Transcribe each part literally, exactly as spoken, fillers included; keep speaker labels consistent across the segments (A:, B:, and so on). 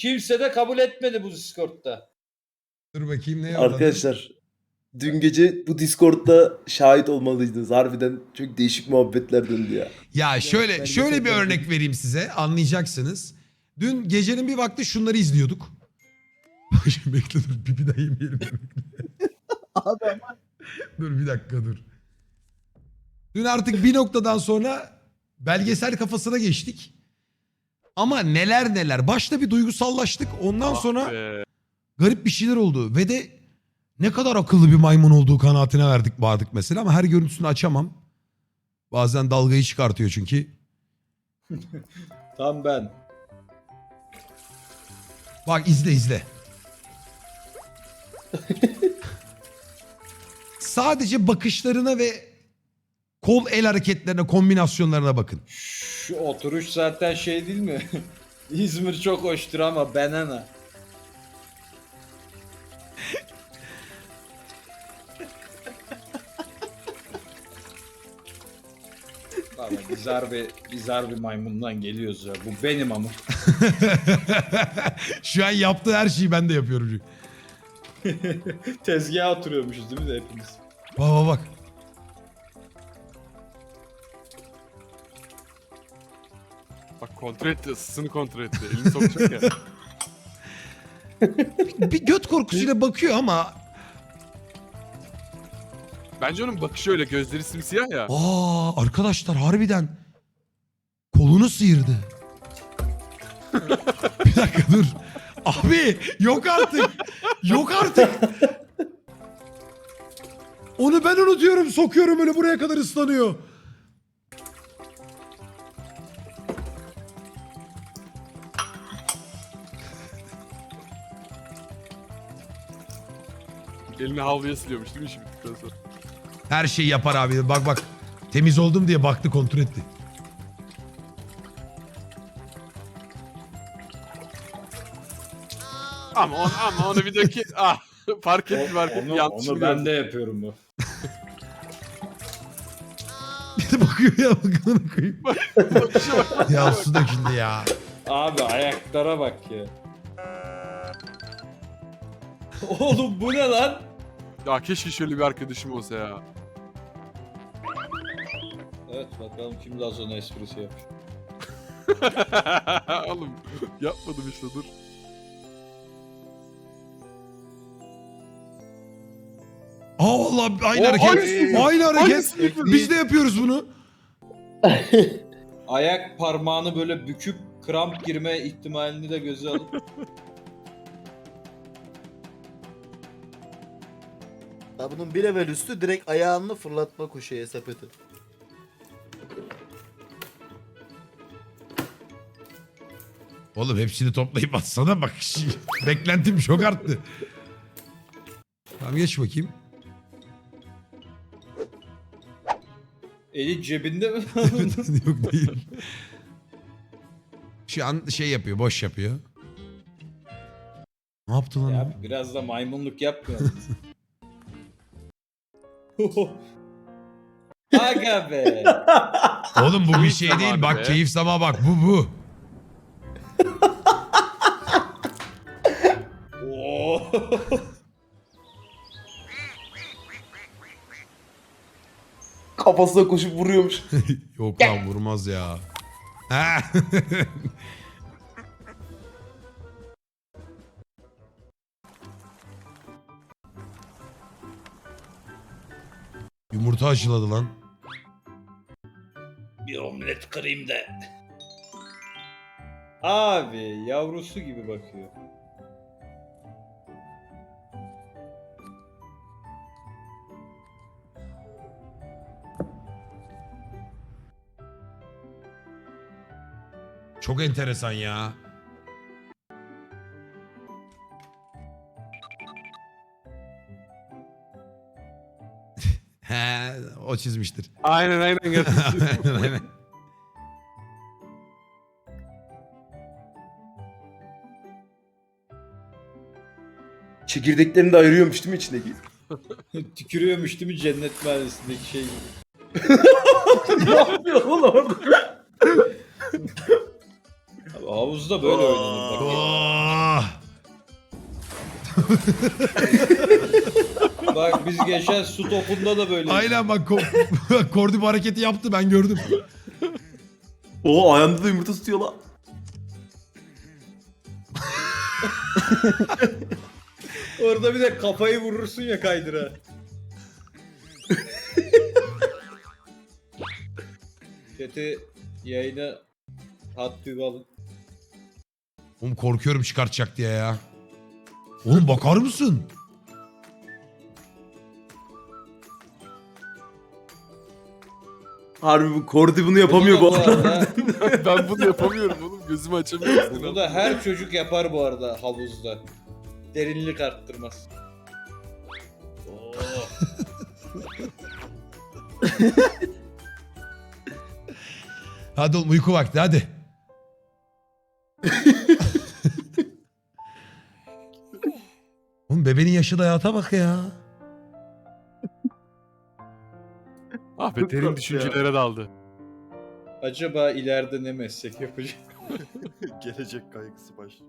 A: kimse de kabul etmedi bu Discord'da.
B: Dur bakayım ne yolladı?
C: Arkadaşlar dün gece bu Discord'da şahit olmalıydınız. Harbiden çok değişik muhabbetler döndü ya.
B: Ya şöyle
A: ben
B: şöyle
A: de
B: bir
A: çok
B: örnek vereyim size, anlayacaksınız. Dün gecenin bir vakti şunları izliyorduk. Şimdi bekle dur, pipi de yemeyelim.
D: Abi ama
B: Dur bir dakika dur. Dün artık bir noktadan sonra belgesel kafasına geçtik. Ama neler neler. Başta bir duygusallaştık. Ondan
E: Ah
B: sonra
E: be.
B: garip bir şeyler oldu. Ve de ne kadar akıllı bir maymun olduğu kanaatine verdik vardık mesela. Ama her görüntüsünü açamam. Bazen dalgayı çıkartıyor çünkü.
A: Tam ben.
B: Bak izle izle. Sadece bakışlarına ve kol el hareketlerine, kombinasyonlarına bakın.
A: Şu oturuş zaten şey değil mi? İzmir çok hoştur ama banana. Valla biz harbi, biz harbi maymundan geliyoruz ya. Bu benim ama.
B: Şu an yaptığı her şeyi ben de yapıyorum çünkü.
A: Tezgaha oturuyormuşuz değil mi de hepimiz?
B: Bak bak bak.
E: Bak kontrol etti, ısısını kontrol etti. Elini sokacak ya.
B: Bir göt korkusuyla bakıyor ama...
E: Bence onun bakışı öyle, gözleri simsiyah ya.
B: Aa arkadaşlar harbiden kolunu sıyırdı. Bir dakika dur. Abi yok artık. Yok artık. Onu ben unutuyorum, sokuyorum öyle buraya kadar ıslanıyor.
E: Elini havluya siliyormuş değil mi işi bittikten sonra?
B: Her şeyi yapar abi. Bak bak. Temiz oldum diye baktı, kontrol etti.
E: Ama onu, ama onu bir dökü... Ah, fark etti fark etti.
A: Onu,
E: Yanlışını
A: onu ben
E: gördüm.
A: de yapıyorum bu.
B: Bir de bakıyor ya, bakın koyayım.
E: Bakışa bak.
B: Ya su döküldü ya.
A: Abi ayaklara bak ya. Oğlum bu ne lan?
E: Ya keşke şöyle bir arkadaşım olsa ya.
A: Evet bakalım kim daha sonra esprisi yapmış.
E: Oğlum yapmadım işte, dur.
B: Aa vallahi aynı
E: O,
B: hareket.
E: aynısı.
B: Aynı hareket.
E: Aynısını yapıyor.
B: Biz de yapıyoruz bunu.
A: Ayak parmağını böyle büküp kramp girme ihtimalini de göze alıp
D: ya bunun bir level üstü direkt ayağını fırlatma koşuya sepeti.
B: Oğlum hepsini toplayıp atsana bak. Beklentim çok arttı. Tamam geç bakayım.
A: eli cebinde mi?
B: Yok değil. Şu an şey yapıyor, boş yapıyor. Ne yaptı lan? o?
A: Ya biraz da maymunluk yapmıyor. Aga be.
B: Oğlum bu bir
E: Keyif
B: şey
E: zamanı
B: değil. Bak
E: be.
B: keyif sama bak. Bu bu.
A: Oo.
C: Kafasına koşup vuruyormuş.
B: Yok lan vurmaz ya. Ha. Yumurta aşıladı lan.
A: Bir omlet kırayım da. Abi yavrusu gibi bakıyor.
B: Çok enteresan ya. He, o çizmiştir.
E: Aynen aynen.
B: Aynen, aynen.
C: Çekirdeklerini de ayırıyormuş değil mi içindeki?
A: Tükürüyormuş değil mi cennet mahallesindeki şey gibi.
C: Ne yapıyor oğlum orada?
A: Abi, havuzda böyle oynanır bak.
B: Oo!
A: Bak biz geçen su topunda da böyle.
B: Aynen bak ko- Kordi bu hareketi yaptı ben gördüm.
C: O ayağında da yumurta tutuyor lan.
A: Orada bir de kafayı vurursun ya kaydıra. Chat'i yayına hat bir alın.
B: Oğlum korkuyorum çıkartacak diye ya. Oğlum bakar mısın?
C: Harbi bu Kordi bunu yapamıyor bu
A: Bunu da
C: arada.
E: Ben bunu yapamıyorum oğlum. Gözümü açamıyorum.
A: Bunu da her çocuk yapar bu arada havuzda. Derinlik arttırmaz. Oo.
B: Hadi oğlum uyku vakti hadi. Oğlum bebeğin yaşı da hayata bak ya.
E: Ah be
C: Çok
E: derin
C: tatlı
E: düşüncelere daldı.
A: Acaba ileride ne meslek yapacak?
F: Gelecek kaygısı başlıyor.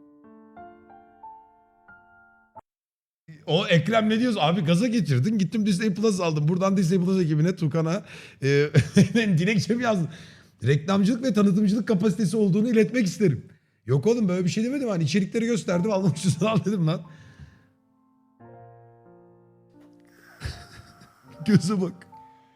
B: O Ekrem ne diyoruz? Abi gaza getirdin. Gittim Disney Plus aldım. Buradan Disney Plus ekibine Tukan'a e, dilekçemi yazdım. Reklamcılık ve tanıtımcılık kapasitesi olduğunu iletmek isterim. Yok oğlum böyle bir şey demedim. Hani içerikleri gösterdim. Almak için al dedim lan. Göze bak.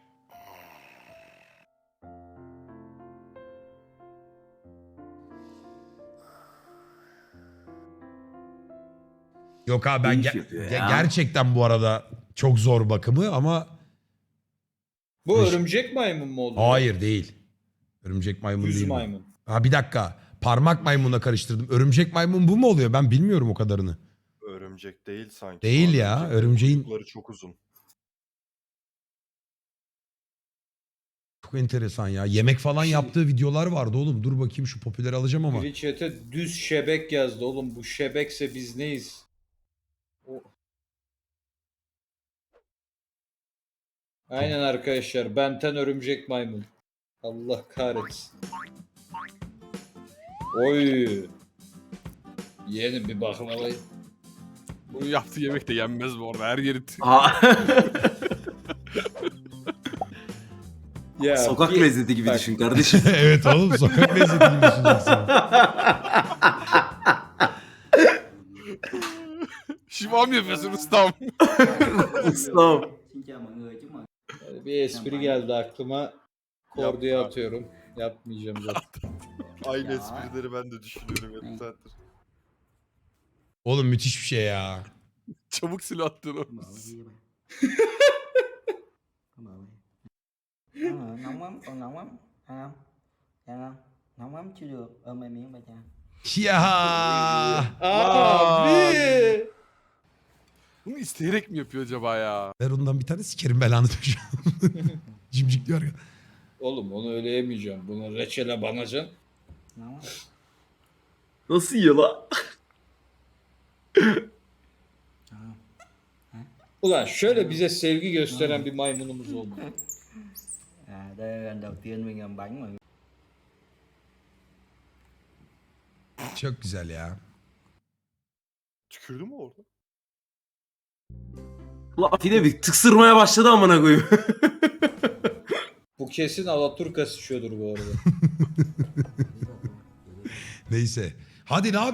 B: Yok abi ben
C: İyi iş
B: ge-
C: yapıyor
B: ge-
C: ya.
B: gerçekten bu arada çok zor bakımı ama
A: Bu
B: Eş-
A: örümcek maymun mu oluyor?
B: hayır değil. Örümcek maymun
A: Düz
B: değil. bu.
A: maymun.
B: Ha bir dakika. Parmak maymunla karıştırdım. Örümcek maymun bu mu oluyor? Ben bilmiyorum o kadarını.
F: Örümcek değil sanki.
B: Değil ya,
F: Örümceklerin
B: örümceğin-
F: kuyrukları çok uzun.
B: Çok enteresan ya. Yemek falan
A: Şey-
B: yaptığı videolar vardı oğlum. Dur bakayım şu popüleri alacağım ama.
A: Biri chat'e düz şebek yazdı oğlum. Bu şebekse biz neyiz? O... Aynen arkadaşlar. Benten örümcek maymun. Allah kahretsin. Oy. Yeğenim bir baklavayı.
E: Bunu yaptığı yemek de yenmez bu arada. Her yeri t-
C: Ha.
A: Ya,
C: Sokak
A: bir-
C: lezzeti gibi
A: Bak.
C: düşün kardeşim.
B: Evet oğlum sokak lezzeti gibi düşüneceksin.
E: şivam yapıyorsun ustam.
C: Ustam.
G: Xin chào mọi người, chúc mừng.
A: Bir espri geldi aklıma. Korduya
F: Yapma.
A: atıyorum. Yapmayacağım zaten.
F: Aynı
G: Ya.
F: esprileri ben de düşünüyorum yarım saattir.
B: Oğlum müthiş bir şey ya.
E: Çabuk silah attın o.
G: Mở cái gì vậy? Có mở vậy. Ờ, nóng lắm, còn nóng lắm. Ăn không? Ăn không? Nóng lắm chưa được. Ôm em miếng ba cha.
B: Ya.
A: Abi.
E: Bunu isteyerek mi yapıyor acaba ya?
B: Ver ondan bir tane sikerim belanı düşün. Cimcik diyor ya.
A: Oğlum onu öyle yemeyeceğim. Bunu reçele banacaksın.
G: Nóng lắm.
C: Nasıl yiyor la?
A: Ulan şöyle bize sevgi gösteren bir maymunumuz olmalı.
G: À, đây là lần đầu tiên mình làm bánh mà.
B: Çok güzel ya.
F: Tükürdü mü orada?
C: La Atine bir tıksırmaya başladı amına koyayım.
A: Bu kesin Alaturka sıçıyordur bu arada.
B: Neyse. Hadi ne yap?